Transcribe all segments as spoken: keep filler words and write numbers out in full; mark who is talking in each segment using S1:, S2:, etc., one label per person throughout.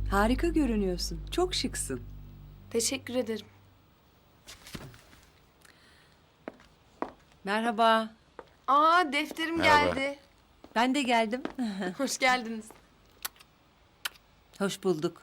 S1: Harika görünüyorsun. Çok şıksın.
S2: Teşekkür ederim.
S3: Merhaba.
S2: Aa, defterim
S4: Merhaba.
S2: geldi.
S3: Ben de geldim.
S2: Hoş geldiniz.
S3: Hoş bulduk.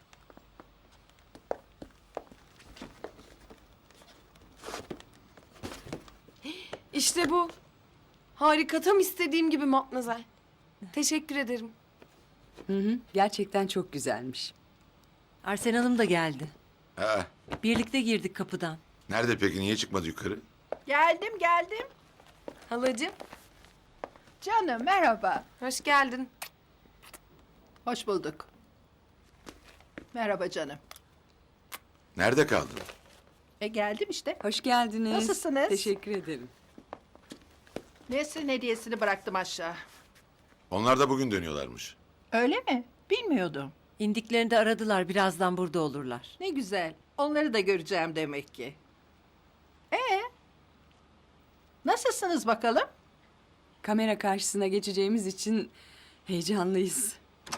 S2: İşte bu. Harika, tam istediğim gibi Matmazel. Teşekkür ederim.
S1: Hı hı. Gerçekten çok güzelmiş.
S3: Arsen Hanım da geldi.
S4: Ha,
S3: Birlikte girdik kapıdan.
S4: nerede peki? Niye çıkmadı yukarı?
S5: Geldim geldim.
S2: Halacığım,
S5: Canım merhaba.
S2: hoş geldin.
S5: Hoş bulduk. Merhaba canım.
S4: Nerede kaldın?
S5: E geldim işte.
S1: Hoş geldiniz.
S5: Nasılsınız?
S1: Teşekkür ederim.
S5: Nesrin hediyesini bıraktım aşağı.
S4: Onlar da bugün dönüyorlarmış.
S5: Öyle mi? Bilmiyordum.
S3: İndiklerinde aradılar. Birazdan burada olurlar.
S5: Ne güzel. Onları da göreceğim demek ki. Ee? Nasılsınız bakalım?
S1: Kamera karşısına geçeceğimiz için heyecanlıyız.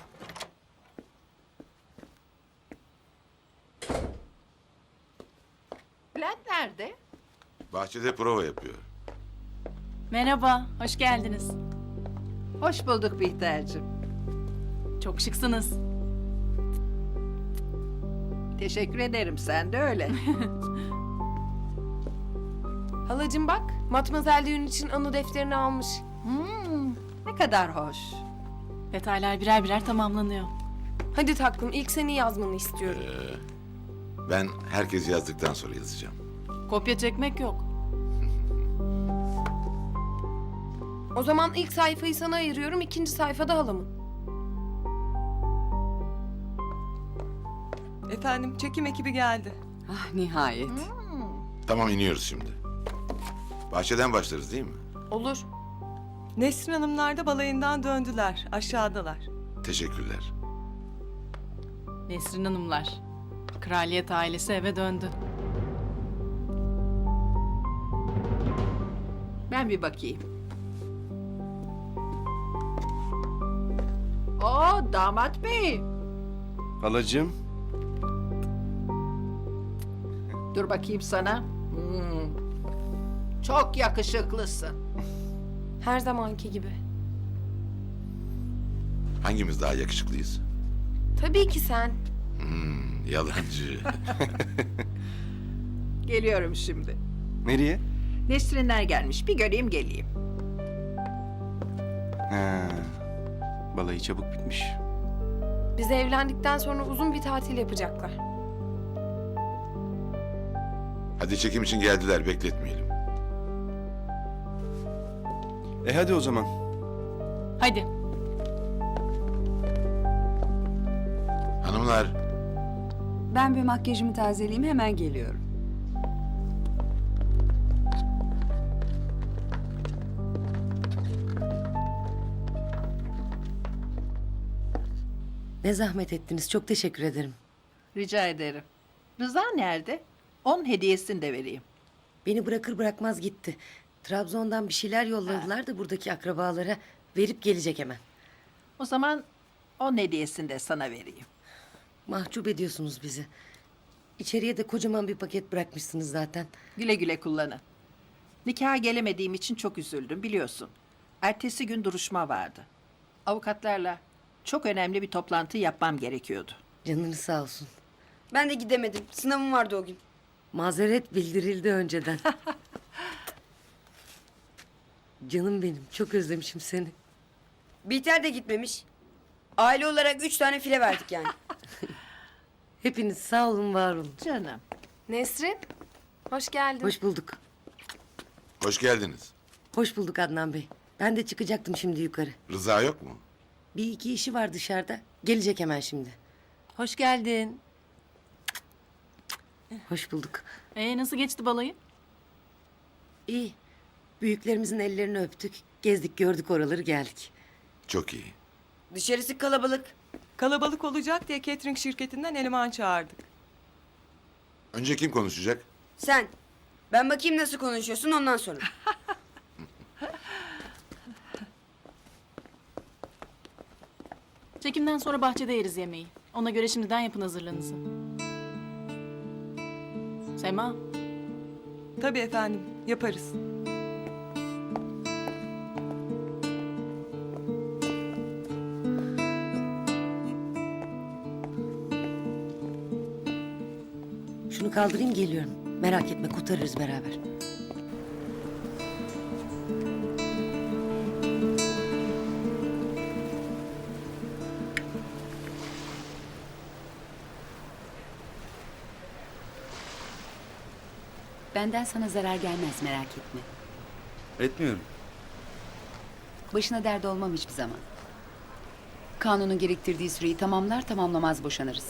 S5: Bülent nerede?
S4: Bahçede prova yapıyor.
S6: Merhaba, hoş geldiniz.
S5: Hoş bulduk Bihter'cim.
S6: Çok şıksınız.
S5: Teşekkür ederim. Sen de öyle.
S2: Halacığım bak, Matmazel düğün için anı defterini almış.
S5: Hmm, ne kadar hoş.
S6: Detaylar birer birer tamamlanıyor.
S2: Hadi taklım, ilk seni yazmanı istiyorum.
S4: Ben herkes yazdıktan sonra yazacağım.
S6: Kopya çekmek yok.
S2: O zaman ilk sayfayı sana ayırıyorum, ikinci sayfada halamın.
S7: Efendim çekim ekibi geldi.
S1: Ah nihayet.
S4: Tamam, iniyoruz şimdi. Bahçeden başlarız değil mi?
S2: Olur.
S7: Nesrin Hanımlar da balayından döndüler. Aşağıdalar.
S4: Teşekkürler.
S6: Nesrin Hanımlar. Kraliyet ailesi eve döndü.
S5: Ben bir bakayım. Oo damat bey.
S8: Halacığım,
S5: Dur bakayım sana. Hmm. Çok yakışıklısın.
S2: Her zamanki gibi.
S4: Hangimiz daha yakışıklıyız?
S2: Tabii ki sen.
S4: Hmm, yalancı.
S5: Geliyorum şimdi.
S8: nereye?
S5: Nesrinler gelmiş. Bir göreyim geleyim.
S8: Ha, balayı çabuk bitmiş.
S2: Biz evlendikten sonra uzun bir tatil yapacaklar.
S4: Hadi çekim için geldiler, bekletmeyelim.
S8: E hadi o zaman.
S6: Hadi.
S4: Hanımlar,
S1: Ben bir makyajımı tazeleyeyim, hemen geliyorum.
S3: Ne zahmet ettiniz. Çok teşekkür ederim.
S5: Rica ederim. Rıza nerede? Onun hediyesini de vereyim.
S3: Beni bırakır bırakmaz gitti. Trabzon'dan bir şeyler yolladılar da buradaki akrabalara. Verip gelecek hemen.
S5: O zaman onun hediyesini de sana vereyim.
S3: Mahcup ediyorsunuz bizi. İçeriye de kocaman bir paket bırakmışsınız zaten.
S5: Güle güle kullanın. Nikaha gelemediğim için çok üzüldüm biliyorsun. Ertesi gün duruşma vardı. Avukatlarla çok önemli bir toplantı yapmam gerekiyordu.
S3: Canınız sağ olsun.
S9: Ben de gidemedim. Sınavım vardı o gün.
S3: Mazeret bildirildi önceden. Canım benim. Çok özlemişim seni.
S9: Bihter de gitmemiş. Aile olarak üç tane file verdik yani.
S3: Hepiniz sağ olun, var olun.
S5: Canım.
S2: Nesrin, hoş geldin.
S3: Hoş bulduk.
S4: hoş geldiniz.
S3: Hoş bulduk Adnan Bey. Ben de çıkacaktım şimdi yukarı.
S4: Rıza yok mu?
S3: Bir iki işi var dışarıda. Gelecek hemen şimdi.
S6: Hoş geldin.
S3: Hoş bulduk.
S6: Ee, nasıl geçti balayı?
S3: İyi. Büyüklerimizin ellerini öptük. Gezdik, gördük oraları, geldik.
S4: Çok iyi.
S9: Dışarısı kalabalık.
S7: Kalabalık olacak diye catering şirketinden eleman çağırdık.
S4: Önce kim konuşacak?
S9: Sen. Ben bakayım nasıl konuşuyorsun ondan sonra.
S6: Çekimden sonra bahçede yeriz yemeği. Ona göre şimdiden yapın hazırlığınızı. Sema,
S7: Tabii efendim, yaparız.
S3: Şunu kaldırayım geliyorum. Merak etme kurtarırız beraber.
S1: Benden sana zarar gelmez, merak etme.
S8: Etmiyorum.
S1: Başına dert olmam hiçbir zaman. Kanunun gerektirdiği süreyi tamamlar tamamlamaz boşanırız.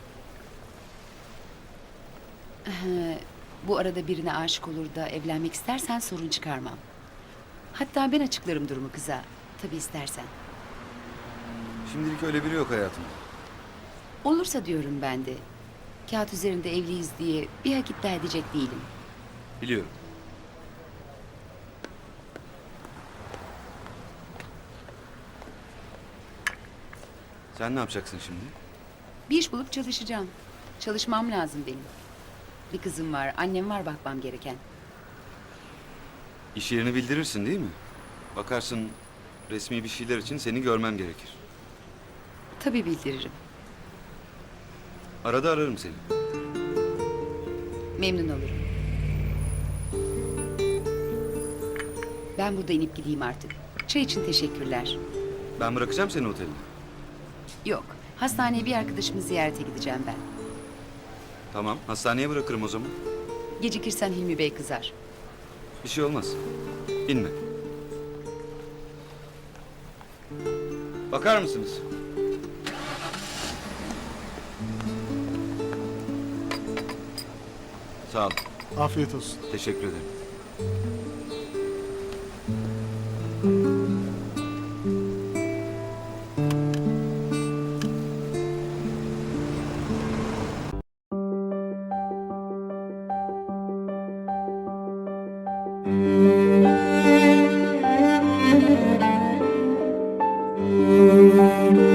S1: Ee, bu arada birine aşık olur da evlenmek istersen sorun çıkarmam. Hatta ben açıklarım durumu kıza. Tabii istersen.
S8: Şimdilik öyle biri yok hayatımda.
S1: Olursa diyorum ben de. Kağıt üzerinde evliyiz diye bir hak iddia edecek değilim.
S8: Biliyorum. Sen ne yapacaksın şimdi?
S1: Bir iş bulup çalışacağım. Çalışmam lazım benim. Bir kızım var, annem var bakmam gereken.
S8: İş yerini bildirirsin değil mi? Bakarsın resmi bir şeyler için seni görmem gerekir.
S1: Tabii bildiririm.
S8: Arada ararım seni.
S1: Memnun olurum. Ben burada inip gideyim artık. Çay için teşekkürler.
S8: Ben bırakacağım seni otelde.
S1: Yok, hastaneye bir arkadaşımı ziyarete gideceğim ben.
S8: Tamam, hastaneye bırakırım o zaman.
S1: Gecikirsen Hilmi Bey kızar.
S8: Bir şey olmaz. İnme. Bakar mısınız? Sağ ol.
S10: Afiyet olsun.
S8: Teşekkür ederim.
S10: Müzik